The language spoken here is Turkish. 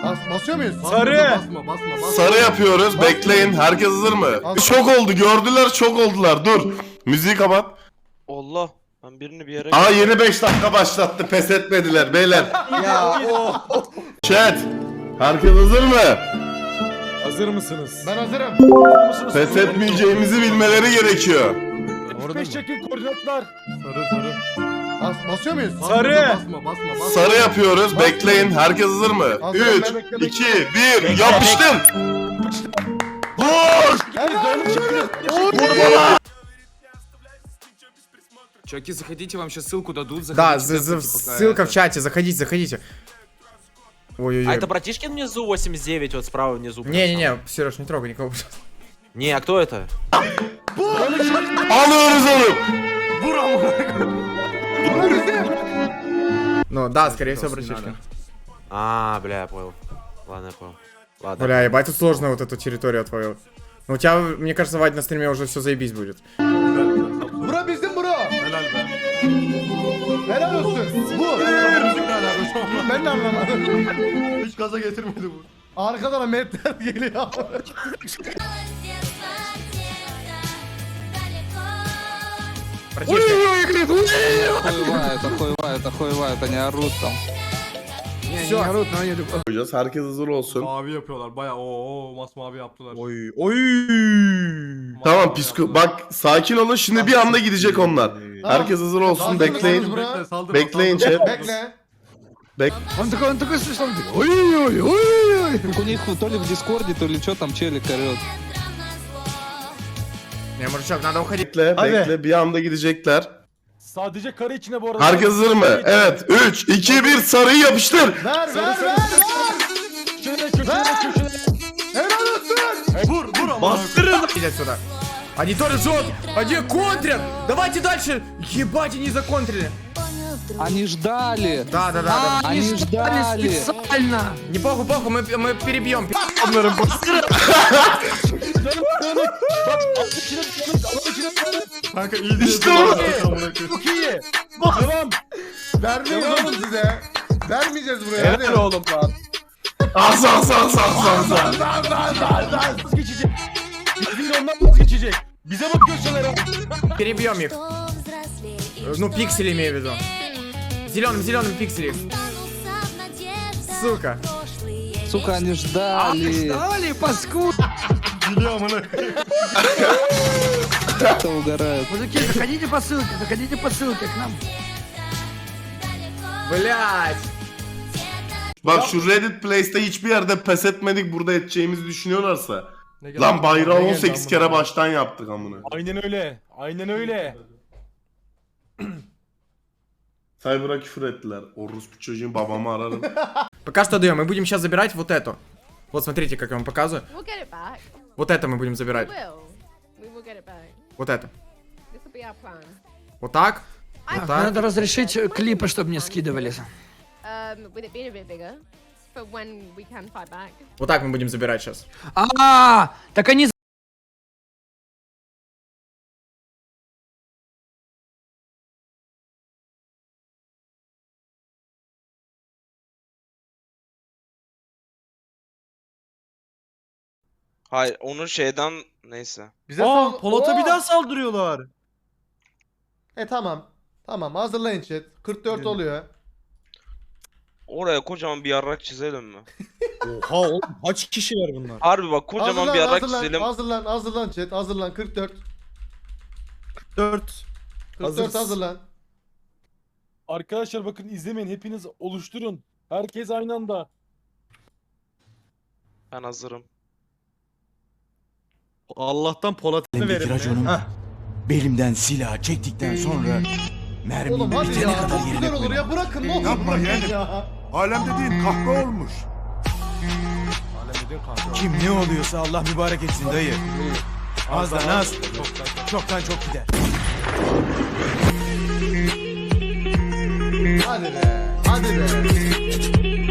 Basıyor muyuz? Sarı. Sarı yapıyoruz. Bekleyin. Herkes hazır mı? Çok oldu. Gördüler, çok oldular. Dur. Müziği kapat. Allah. Ben birini bir yere... Aa, yeni 5 dakika başlattı. Pes etmediler beyler. Ya Chat. Herkes hazır mı? Hazır mısınız? Ben hazırım. Pes etmeyeceğimizi bilmeleri gerekiyor. 45 çekin koordinatlar. Sarı. Basıyor muyuz? Sarı. Sarı yapıyoruz. Bekleyin. Herkes hazır mı? Hazırım, 3, bekle. 2, 1. Yapıştır. Vur. Чуваки, заходите, вам сейчас ссылку дадут. Да, заходите, ссылка в чате, заходите. Ой-ой-ой. А это братишкин внизу 89, вот справа внизу? Не-не-не, Сереж, не трогай никого. Не, а кто это? Alıyoruz onu. Ну да, скорее всего, братишка. А, бля, я понял. Ладно, я понял. Ладно. Бля, ебать, тут сложно вот эту территорию отвоевать. Ну у тебя, мне кажется, Вадь, на стриме уже все заебись будет. Bura bizim bura. Helal be. Helal olsun. Bu. Ben de anlamadım. Hiç gaza getirmedi bu. Arkadan metler geliyor. Охуевает, они орут там. Koyacağız. Herkes hazır olsun. Mavi yapıyorlar baya masmavi yaptılar. Tamam psiko. Bak sakin olun. Şimdi bir anda gidecek onlar. Herkes hazır olsun. Hazır Bekleyin. mısınız bura? Saldırma, Bekleyin saldırma. chat. Bekle. Он такой смешной, ой-ой-ой. У них то ли в Дискорде, то ли что там челик орет. Не, мужичок, надо уходить. Bekle. Hadi. Bekle. Bir anda gidecekler. Sadece kare içine bu arada. Herkes hazır mı? Evet. 3, 2, 1. Sarıyı yapıştır. Ver. Köşede köşede. Helal olsun. Vur ama. Идет сюда. Они тоже жжет! Они контрят! Давайте дальше! Ебать, они законтрили! Они ждали. Да. Они ждали. Не похуй, мы перебьем. Onların bastırın. Kanka iyi değil. İşte o. Çok iyi. Devam. Vermeyiz oğlum size. Vermeyeceğiz buraya. Helal oğlum lan. As. Vazgeçecek. Bizim ondan vazgeçecek. Bize bak köşelere. Перебьем их. Ну, пиксели имею в виду. Зеленым пиксели. Сука. Сука, они ждали. Biliyorum onu. Это угорают. Мужики, заходите по ссылке к нам. Блять. Bak şu Reddit Place'te hiçbir yerde pes etmedik. Burada edeceğimizi düşünüyorlarsa. Ne geldi? Lan bayrağı Ne geldi 18 amına kere koyayım? baştan yaptık amına. Aynen öyle. Aynen öyle. Cyber'a küfür ettiler. Orospu çocuğun babamı ararım. Пока что даем. Мы будем сейчас забирать вот эту. Вот смотрите, как я вам показываю. We'll get it back. Вот это мы будем забирать. We will get it back. Вот это. This will be our plan. Вот так. Вот так. Надо разрешить клипы, чтобы мне скидывали. With it being a bit bigger, for when we can fight back. Вот так мы будем забирать сейчас. Так они Hayır, onu şeyden... Neyse. Bize Polat'a bir daha saldırıyorlar. Tamam. Tamam hazırlayın chat. 44 oluyor. Oraya kocaman bir yarrak çizelim mi? Oha oğlum kaç kişiler bunlar? Harbi bak kocaman bir yarrak çizelim. Hazırlan chat. Hazırlan 44. 4. 44 hazırlan. Arkadaşlar bakın izlemeyin, hepiniz oluşturun. Herkes aynı anda. Ben hazırım. Allah'tan Polat'ını verin. Raconum belimden silah çektikten sonra mermi Oğlum hadi bitene ya. kadar Çok yerine güzel olur koymam. ya. Bırakın ne olur Yapma bırakın yeğenim. ya. Alem dediğin kahve olmuş. Kim ne oluyorsa Allah mübarek etsin dayı. Azdan az, çoktan çok gider. Hadi be.